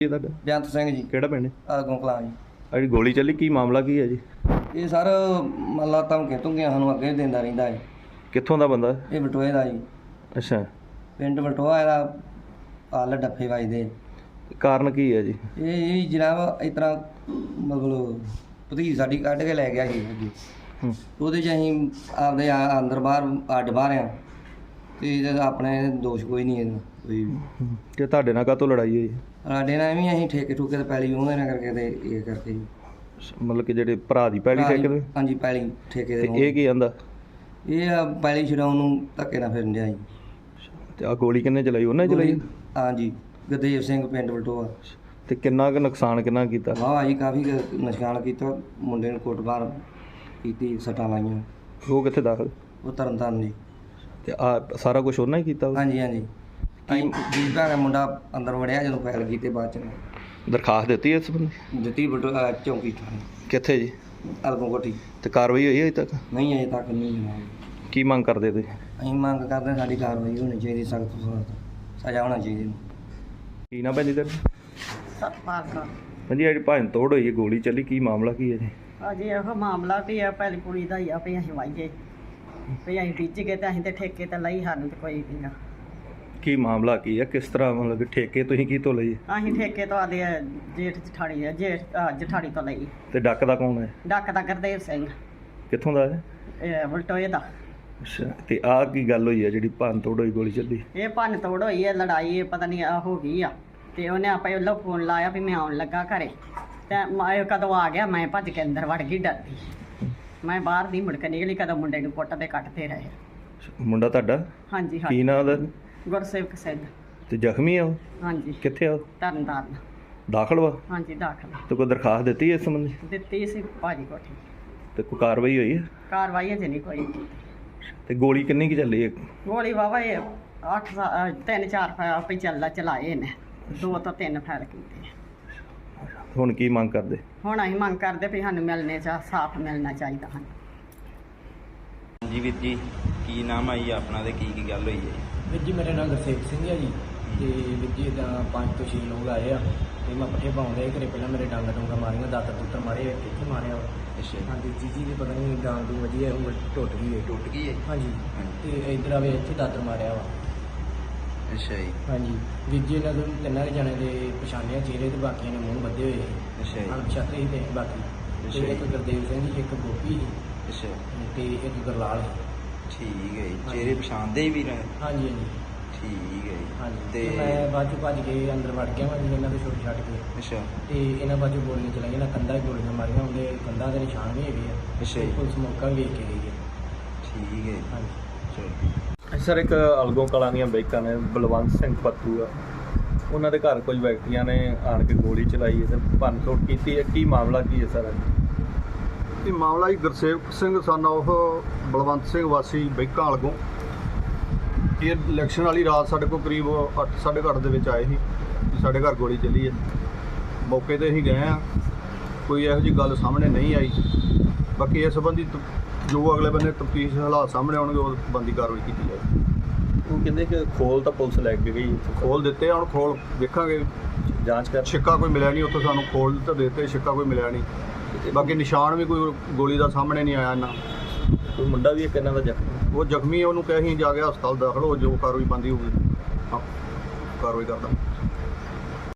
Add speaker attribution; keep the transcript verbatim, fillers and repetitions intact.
Speaker 1: ਜੀ ਤੁਹਾਡਾ
Speaker 2: ਬੇਅੰਤ ਸਿੰਘ ਜੀ
Speaker 1: ਕਿਹੜਾ ਪਿੰਡ
Speaker 2: ਆਗੋਂ ਕਲਾਂ ਜੀ।
Speaker 1: ਆ ਜਿਹੜੀ ਗੋਲੀ ਚੱਲੀ ਕੀ ਮਾਮਲਾ ਕੀ ਹੈ ਜੀ?
Speaker 2: ਇਹ ਸਰ ਮੱਲਾ ਧਮਕੀਆਂ ਧਮਕੀਆਂ ਸਾਨੂੰ ਅੱਗੇ ਦਿੰਦਾ ਰਹਿੰਦਾ ਹੈ।
Speaker 1: ਕਿੱਥੋਂ ਦਾ ਬੰਦਾ?
Speaker 2: ਇਹ ਬਟੋਏ ਦਾ ਜੀ,
Speaker 1: ਅੱਛਾ,
Speaker 2: ਪਿੰਡ ਬਟੋਆ ਇਹਦਾ ਹਾਲ ਡੱਫੇ ਵੱਜਦੇ।
Speaker 1: ਕਾਰਨ ਕੀ ਹੈ ਜੀ?
Speaker 2: ਇਹ ਇਹ ਜਨਾਬ ਇਸ ਤਰ੍ਹਾਂ ਮਤਲਬ ਭਤੀਜ ਸਾਡੀ ਕੱਢ ਕੇ ਲੈ ਗਿਆ ਸੀ ਅੱਗੇ,
Speaker 1: ਹੂੰ,
Speaker 2: ਉਹਦੇ 'ਚ ਅਸੀਂ ਆਪਦੇ ਆ- ਅੰਦਰ ਬਾਹਰ ਅੱਡ ਬਾਹਰ ਆ ਅਤੇ ਇਹਦਾ ਆਪਣੇ ਦੋਸ਼ ਕੋਈ ਨਹੀਂ ਇਹਦਾ ਕੋਈ ਵੀ।
Speaker 1: ਹੂੰ। ਤੇ ਤੁਹਾਡੇ ਨਾਲ ਕਾਹਤੋਂ ਲੜਾਈ ਹੋਈ?
Speaker 2: ਸਾਡੇ ਨਾਲ ਵੀ ਅਸੀਂ ਠੇਕੇ ਠੂਕੇ ਤੇ ਪੈਲੀ ਉਹਦੇ ਨਾਲ ਕਰਕੇ ਤੇ ਇਹ ਕਰਕੇ ਜੀ।
Speaker 1: ਮਤਲਬ ਕਿ ਜਿਹੜੇ ਭਰਾ ਦੀ ਪਹਿਲੀ ਠੇਕੇ ਤੇ?
Speaker 2: ਹਾਂਜੀ ਪੈਲੀ ਠੇਕੇ
Speaker 1: ਤੇ
Speaker 2: ਦੇ।
Speaker 1: ਇਹ ਕੀ ਆਂਦਾ?
Speaker 2: ਇਹ ਆ ਪੈਲੀ ਛਡਾਉਣ ਨੂੰ ਧੱਕੇ ਨਾਲ ਫਿਰਨ ਡਿਆ ਜੀ।
Speaker 1: ਤੇ ਆ ਗੋਲੀ ਕਿੰਨੇ ਚਲਾਈ? ਉਹਨਾਂ ਨੇ ਚਲਾਈ?
Speaker 2: ਹਾਂਜੀ, ਗੁਰਦੇਵ ਸਿੰਘ ਪਿੰਡ ਬਲਟੋਆ।
Speaker 1: ਤੇ ਕਿੰਨਾ ਕੁ ਨੁਕਸਾਨ ਕਿੰਨਾ ਕੀਤਾ?
Speaker 2: ਵਾਹ ਜੀ ਕਾਫੀ ਕੁ ਨੁਕਸਾਨ ਕੀਤਾ, ਮੁੰਡੇ ਨੂੰ ਕੁੱਟਮਾਰ ਕੀਤੀ, ਸੱਟਾਂ ਲਾਈਆਂ।
Speaker 1: ਉਹ ਕਿੱਥੇ ਦਾਖਲ?
Speaker 2: ਉਹ ਤਰਨ ਤਾਰਨ ਜੀ।
Speaker 1: ਤੇ ਆ ਸਾਰਾ ਕੁਝ ਉਹਨਾਂ ਹੀ ਕੀਤਾ?
Speaker 2: ਹਾਂਜੀ ਹਾਂਜੀ, ਅਸੀਂ ਜੀ ਭੈਣ ਮੁੰਡਾ ਅੰਦਰ ਵੜਿਆ ਜਦੋਂ ਫੈਲ ਕੀਤੀ, ਬਾਅਦ ਚ
Speaker 1: ਦਰਖਾਸਤ ਦਿੱਤੀ ਇਸ ਬੰਦੇ?
Speaker 2: ਦਿੱਤੀ ਬਲਟੋਆ ਚੌਂਕੀ ਥਾਣੇ
Speaker 1: ਕਿੱਥੇ ਜੀ?
Speaker 2: ਅਲਗੋਂ ਕੋਠੀ।
Speaker 1: ਤੇ ਕਾਰਵਾਈ ਹੋਈ ਹੈ ਅਜੇ ਤੱਕ?
Speaker 2: ਨਹੀਂ ਅਜੇ ਤੱਕ ਨਹੀਂ ਜਨਾਬ।
Speaker 1: ਕੀ ਮੰਗ ਕਰਦੇ ਤੁਸੀਂ?
Speaker 2: ਅਸੀਂ ਮੰਗ ਕਰਦੇ ਹਾਂ ਸਾਡੀ ਕਾਰਵਾਈ ਹੋਣੀ ਚਾਹੀਦੀ, ਸਖਤ ਤੋਂ ਸਖਤ ਸਜ਼ਾ ਹੋਣਾ ਚਾਹੀਦੀ।
Speaker 1: ਕੀ ਨਾ ਭੈਣ ਜੀ ਤੁਹਾਡਾ?
Speaker 3: ਸਤਪਾਲ ਕੌਰ।
Speaker 1: ਹਾਂਜੀ, ਜਿਹੜੀ ਭੰਨ ਤੋੜ ਹੋਈ ਹੈ, ਗੋਲੀ ਚੱਲੀ, ਕੀ ਮਾਮਲਾ ਕੀ ਹੈ ਜੀ?
Speaker 3: ਅਜੇ ਇਹੋ ਮਾਮਲਾ ਵੀ ਆ, ਪਹਿਲੀ ਕੁੜੀ ਦਾ ਹੀ ਆ ਵੀ ਅਸੀਂ ਵਾਈਏ ਵੀ ਅਸੀਂ ਬੀਜ ਗਏ ਤੇ ਅਸੀਂ ਤੇ ਠੇਕੇ ਤੇ ਲਈ, ਸਾਨੂੰ ਤੇ ਕੋਈ ਨਹੀਂ ਗਾ।
Speaker 1: ਕੀ ਮਾਮਲਾ ਕੀ ਹੈ? ਕਿਸ ਤਰ੍ਹਾਂ ਮਤਲਬ ਕਿ ਠੇਕੇ ਤੁਸੀਂ ਕੀ ਤੋਂ ਲਈ?
Speaker 3: ਅਸੀਂ ਠੇਕੇ ਤੋਂ ਆਦੇ ਜੇਠ ਜਠਾਣੀ ਆ ਜੇਠ ਅਹ ਜਠਾਣੀ ਤੋਂ ਲਈ।
Speaker 1: ਤੇ ਡੱਕ ਦਾ ਕੌਣ ਹੈ?
Speaker 3: ਡੱਕ ਦਾ ਗੁਰਦੇਵ ਸਿੰਘ,
Speaker 1: ਕਿੱਥੋਂ ਦਾ ਹੈ?
Speaker 3: ਇਹ ਬਲਟੋਏ ਦਾ।
Speaker 1: ਅੱਛਾ, ਤੇ ਆਹ ਕੀ ਗੱਲ ਹੋਈ ਹੈ ਜਿਹੜੀ ਭੰਨ ਤੋੜ ਹੋਈ, ਗੋਲੀ ਚੱਲੀ?
Speaker 3: ਇਹ ਭੰਨ ਤੋੜ ਹੋਈ ਹੈ, ਲੜਾਈ ਇਹ ਪਤਾ ਨਹੀਂ ਆ ਹੋ ਗਈ ਆ। ਤੇ ਉਹਨੇ ਆਪੇ ਉਹਲਾ ਫੋਨ ਲਾਇਆ ਵੀ ਮੈਂ ਆਉਣ ਲੱਗਾ ਘਰੇ, ਤੇ ਮੈਂ ਕਦੋਂ ਆ ਗਿਆ, ਮੈਂ ਭੱਜ ਕੇ ਅੰਦਰ ਵੜ ਗਈ ਡਰਦੀ। ਮੈਂ ਬਾਹਰ ਦੀ ਮੁੜ ਕੇ ਨਿਕਲੀ, ਕਦੋਂ ਮੁੰਡੇ ਨੂੰ ਕੁੱਟਦੇ ਕੱਟਦੇ ਰਹੇ।
Speaker 1: ਮੁੰਡਾ ਤੁਹਾਡਾ?
Speaker 3: ਹਾਂਜੀ
Speaker 1: ਕੀ
Speaker 3: ਹਾਂਜੀ,
Speaker 1: ਨਾਂ ਉਹਦਾ?
Speaker 3: ਗੁਰਸੇਵਕ ਸਿੰਘ।
Speaker 1: ਤੇ ਜ਼ਖਮੀ ਆ ਉਹ?
Speaker 3: ਹਾਂਜੀ,
Speaker 1: ਕਿੱਥੇ ਆ ਉਹ?
Speaker 3: ਤਰਨ ਤਾਰਨ।
Speaker 1: ਦਾਖਲ ਵਾ?
Speaker 3: ਹਾਂਜੀ ਦਾਖਲ
Speaker 1: ਤੇ ਕੋਈ ਦਰਖਾਸਤ ਦਿੱਤੀ ਇਸ ਸੰਬੰਧੀ?
Speaker 3: ਦਿੱਤੀ ਸੀ ਭਾਜੀ ਕੋਠੀ।
Speaker 1: ਤੇ ਕੋਈ ਕਾਰਵਾਈ ਹੋਈ ਹੈ?
Speaker 3: ਕਾਰਵਾਈ ਅਜੇ ਨਹੀਂ ਕੋਈ ਕੀਤੀ।
Speaker 1: ਤੇ ਗੋਲੀ ਕਿੰਨੀ ਕੀ ਚੱਲੀ ਹੈ?
Speaker 3: ਗੋਲੀ ਵਾਵਾ ਇਹ ਅੱਠ ਸਾ- ਅਹ ਤਿੰਨ ਚਾਰ ਫੈਲ ਪਈ ਚੱਲਾ ਚਲਾਏ ਨੇ, ਦੋ ਤੋਂ ਤਿੰਨ ਫੈਲ ਕੀਤੇ।
Speaker 1: ਹੁਣ ਕੀ ਮੰਗ ਕਰਦੇ?
Speaker 3: ਹੁਣ ਅਸੀਂ ਮੰਗ ਕਰਦੇ ਵੀ ਸਾਨੂੰ ਮਿਲਣੇ ਚਾ ਸਾਫ਼ ਮਿਲਣਾ ਚਾਹੀਦਾ ਹਨ।
Speaker 4: ਜੀ ਵੀਰ ਜੀ, ਕੀ ਨਾਮ ਆਈ ਆਪਣਾ ਤੇ ਕੀ ਕੀ ਗੱਲ ਹੋਈ ਹੈ?
Speaker 5: ਵੀਰ ਜੀ ਮੇਰਾ ਨਾਮ ਗੁਰਸੇਵਕ ਸਿੰਘ ਹੈ ਜੀ। ਤੇ ਵੀਰ ਜੀ ਇੱਦਾਂ ਪੰਜ ਤੋਂ ਛੇ ਲੋਕ ਆਏ ਆ ਤੇ ਮੈਂ ਪੱਠੇ ਪਾਉਂਦੇ ਘਰੇ, ਪਹਿਲਾਂ ਮੇਰੇ ਡੰਗ ਡੂੰਗਾ ਮਾਰੀਆਂ, ਦਾਤਰ ਦੁੱਤਰ ਮਾਰੇ, ਕਿੱਥੇ ਮਾਰਿਆ ਵਾ।
Speaker 4: ਅੱਛਾ,
Speaker 5: ਹਾਂਜੀ ਜੀ ਜੀ ਦੀ ਪਤਾ ਨਹੀਂ ਡਾਂਗ ਦੀ ਵਧੀਆ ਉਂਗਲ ਟੁੱਟ ਗਈ ਹੈ।
Speaker 4: ਟੁੱਟ ਗਈ ਹੈ?
Speaker 5: ਹਾਂਜੀ, ਤੇ ਇੱਧਰ ਆਵੇ ਇੱਥੇ ਦਾਤਰ ਮਾਰਿਆ ਵਾ।
Speaker 4: ਅੱਛਾ ਜੀ,
Speaker 5: ਹਾਂਜੀ ਵੀਰ ਜੀ, ਇਹਨਾਂ ਦੇ ਤਿੰਨਾਂ ਕੁ ਜਣੇ ਦੇ ਪਛਾਣਿਆ ਚਿਹਰੇ ਤੇ, ਬਾਕੀਆਂ ਨੇ ਮੂੰਹ ਬੱਧੇ ਹੋਏ ਸੀ।
Speaker 4: ਅੱਛਾ ਜੀ,
Speaker 5: ਅਣਪਛਾਤੇ ਸੀ ਤੇ ਬਾਕੀ।
Speaker 4: ਅੱਛਾ
Speaker 5: ਤੇ
Speaker 4: ਜੀ।
Speaker 5: ਇੱਕ ਗੁਰਦੇਵ ਸਿੰਘ ਜੀ, ਇੱਕ ਗੋਪੀ ਸੀ
Speaker 4: ਅੱਛਾ,
Speaker 5: ਤੇ ਇੱਕ ਗੁਰਲਾਲ ਸੀ।
Speaker 4: ਠੀਕ ਹੈ ਜੀ।
Speaker 5: ਹਾਂਜੀ।
Speaker 4: ਚਿਹਰੇ ਪਛਾਣਦੇ ਹੀ ਵੀਰ?
Speaker 5: ਹਾਂਜੀ ਹਾਂਜੀ
Speaker 4: ਠੀਕ ਹੈ ਜੀ।
Speaker 5: ਹਾਂਜੀ,
Speaker 4: ਤੇ
Speaker 5: ਤੇ ਮੈਂ ਬਾਅਦ ਚੋਂ ਭੱਜ ਕੇ ਅੰਦਰ ਵੜ ਗਿਆ, ਮੈਂ ਜੀ ਇਹਨਾਂ ਦੇ ਛੁੱਟ ਛੱਡ ਕੇ।
Speaker 4: ਅੱਛਾ,
Speaker 5: ਤੇ ਇਹਨਾਂ ਬਾਜੂ ਗੋਲੀਆਂ ਚਲਾਈਆਂ ਨਾ, ਕੰਧਾਂ 'ਚ ਗੋਲੀਆਂ ਮਾਰੀਆਂ, ਉਹਦੇ ਕੰਧਾਂ ਦੇ ਨਿਸ਼ਾਨ ਵੀ ਹੈਗੇ ਆ।
Speaker 4: ਅੱਛਾ ਜੀ।
Speaker 5: ਪੁਲਿਸ ਮੌਕਾ ਵੀ ਵੇਖ ਕੇ ਗਈ ਹੈ।
Speaker 4: ਠੀਕ ਹੈ ਜੀ।
Speaker 5: ਹਾਂਜੀ,
Speaker 4: ਚਲੋ,
Speaker 1: ਸਰ, ਇੱਕ ਅਲਗੋਂ ਕਲਾਂ ਦੀਆਂ ਬੈਕਾਂ ਨੇ, ਬਲਵੰਤ ਸਿੰਘ ਪੱਤੂ ਆ, ਉਹਨਾਂ ਦੇ ਘਰ ਕੁਝ ਵਿਅਕਤੀਆਂ ਨੇ ਆਣ ਕੇ ਗੋਲੀ ਚਲਾਈ ਹੈ ਤੇ ਭੰਨ ਤੋੜ ਕੀਤੀ ਹੈ। ਕੀ ਮਾਮਲਾ ਕੀ ਹੈ ਸਰ?
Speaker 6: ਇਹ ਮਾਮਲਾ ਜੀ ਗੁਰਸੇਵਕ ਸਿੰਘ ਸਨ ਉਹ ਬਲਵੰਤ ਸਿੰਘ ਵਾਸੀ ਬੈਕਾਂ ਅਲਗੋਂ। ਇਹ ਇਲੈਕਸ਼ਨ ਵਾਲੀ ਰਾਤ ਸਾਡੇ ਕੋਲ ਕਰੀਬ ਅੱਠ ਸਾਢੇ ਕੁ ਅੱਠ ਦੇ ਵਿੱਚ ਆਏ ਸੀ ਕਿ ਸਾਡੇ ਘਰ ਗੋਲੀ ਚੱਲੀ ਹੈ। ਮੌਕੇ 'ਤੇ ਅਸੀਂ ਗਏ ਹਾਂ, ਕੋਈ ਇਹੋ ਜਿਹੀ ਗੱਲ ਸਾਹਮਣੇ ਨਹੀਂ ਆਈ। ਬਾਕੀ ਇਸ ਸੰਬੰਧੀ ਤ- ਜੋ ਅਗਲੇ ਬੰਨੇ ਤਫਤੀਸ਼ ਹਾਲਾਤ ਸਾਹਮਣੇ ਆਉਣਗੇ ਉਹ ਬੰਦੀ ਕਾਰਵਾਈ ਕੀਤੀ ਜਾਏਗੀ।
Speaker 1: ਉਹ ਕਹਿੰਦੇ ਕਿ ਖੋਲ ਤਾਂ ਪੁਲਿਸ ਲੈ ਕੇ ਗਈ,
Speaker 6: ਖੋਲ ਦਿੱਤੇ ਆ, ਹੁਣ ਖੋਲ ਵੇਖਾਂਗੇ।
Speaker 1: ਜਾਂਚ ਕਰ।
Speaker 6: ਛਿੱਕਾ ਕੋਈ ਮਿਲਿਆ ਨਹੀਂ ਉੱਥੋਂ, ਸਾਨੂੰ ਖੋਲ ਤਾਂ ਦਿੱਤੇ, ਛਿੱਕਾ ਕੋਈ ਮਿਲਿਆ ਨਹੀਂ। ਬਾਕੀ ਨਿਸ਼ਾਨ ਵੀ ਕੋਈ ਗੋਲੀ ਦਾ ਸਾਹਮਣੇ ਨਹੀਂ ਆਇਆ ਨਾ।
Speaker 1: ਕੋਈ ਮੁੰਡਾ ਵੀ ਇੱਕ ਇਹਨਾਂ ਦਾ ਜ਼ਖਮੀ?
Speaker 6: ਉਹ ਜ਼ਖਮੀ, ਉਹਨੂੰ ਕਹੇ ਅਸੀਂ ਜਾ ਕੇ ਹਸਪਤਾਲ ਦਾਖਲ ਹੋ, ਜੋ ਕਾਰਵਾਈ ਬੰਦੀ ਹੋਊਗੀ ਹਾਂ ਕਾਰਵਾਈ ਕਰਦਾ।